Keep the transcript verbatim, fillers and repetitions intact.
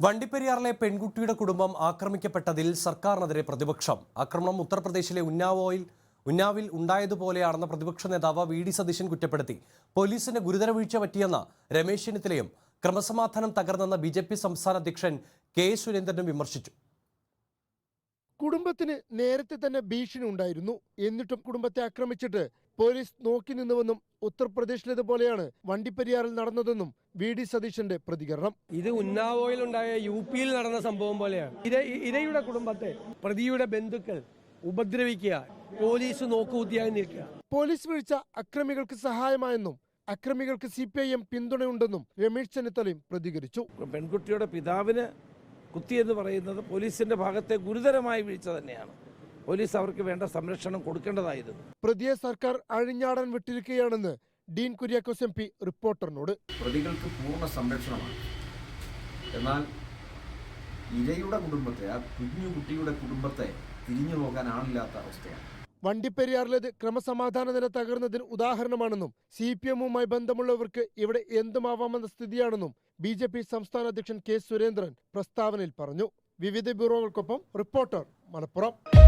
വണ്ടിപ്പെരിയാറിലെ പെൺകുട്ടിയുടെ കുടുംബം ആക്രമിക്കപ്പെട്ടതിൽ സർക്കാരിനെതിരെ പ്രതിപക്ഷം. ആക്രമണം ഉത്തർപ്രദേശിലെ ഉന്നാവോയിൽ ഉന്നാവിൽ ഉണ്ടായതുപോലെയാണെന്ന് പ്രതിപക്ഷ നേതാവ് വി ഡി സതീശൻ കുറ്റപ്പെടുത്തി. പോലീസിന് ഗുരുതര വീഴ്ച പറ്റിയെന്ന രമേശ് ചെന്നിത്തലയും ക്രമസമാധാനം തകർന്നെന്ന ബി ജെ പി സംസ്ഥാന അധ്യക്ഷൻ കെ സുരേന്ദ്രനും വിമർശിച്ചു. കുടുംബത്തിന് നേരത്തെ തന്നെ ഭീഷണി ഉണ്ടായിരുന്നു. എന്നിട്ടും കുടുംബത്തെ ആക്രമിച്ചിട്ട് പോലീസ് നോക്കി നിന്നുവെന്നും ഉത്തർപ്രദേശിലേതുപോലെയാണ് വണ്ടിപ്പെരിയാറിൽ നടന്നതെന്നും വി ഡി സതീശന്റെ പ്രതികരണം. ഇത് ഉന്നാവോയിൽ ഉണ്ടായ യു പിയിൽ നടന്ന സംഭവം പോലെയാണ്. ഇര ഇരയുടെ കുടുംബത്തെ പ്രതിയുടെ ബന്ധുക്കൾ ഉപദ്രവിക്കുക, പോലീസ് നോക്കുകുത്തിയായി നിൽക്കുക. പോലീസ് വീഴ്ച അക്രമികൾക്ക് സഹായമായെന്നും അക്രമികൾക്ക് സി പി ഐ എം പിന്തുണയുണ്ടെന്നും രമേശ് ചെന്നിത്തലയും പ്രതികരിച്ചു. പെൺകുട്ടിയുടെ പിതാവിന് കുത്തിയെന്ന് പറയുന്നത് പോലീസിന്റെ ഭാഗത്തെ ഗുരുതരമായ വീഴ്ച തന്നെയാണ്. പോലീസ് അവർക്ക് വേണ്ട സംരക്ഷണം കൊടുക്കേണ്ടതായിരുന്നു. പ്രതിയെ സർക്കാർ അഴിഞ്ഞാടാൻ വിട്ടിരിക്കുകയാണെന്ന് ഡീൻ കുര്യാക്കോസ് എം പി റിപ്പോർട്ടറിനോട്. പ്രതികൾക്ക് പൂർണ്ണ സംരക്ഷണമാണ്. എന്നാൽ ഇരയുടെ കുടുംബത്തെ, ആ കുഞ്ഞു കുട്ടിയുടെ കുടുംബത്തെ തിരിഞ്ഞു നോക്കാൻ ആളില്ലാത്ത അവസ്ഥയാണ്. വണ്ടിപ്പെരിയാറിലേത് ക്രമസമാധാന നില തകർന്നതിന് ഉദാഹരണമാണെന്നും സി പി എമ്മുമായി ബന്ധമുള്ളവർക്ക് ഇവിടെ എന്തുമാവാമെന്ന സ്ഥിതിയാണെന്നും ബി ജെ പി സംസ്ഥാന അധ്യക്ഷൻ കെ സുരേന്ദ്രൻ പ്രസ്താവനയിൽ പറഞ്ഞു. വിവിധ ബ്യൂറോകൾക്കൊപ്പം റിപ്പോർട്ടർ മലപ്പുറം.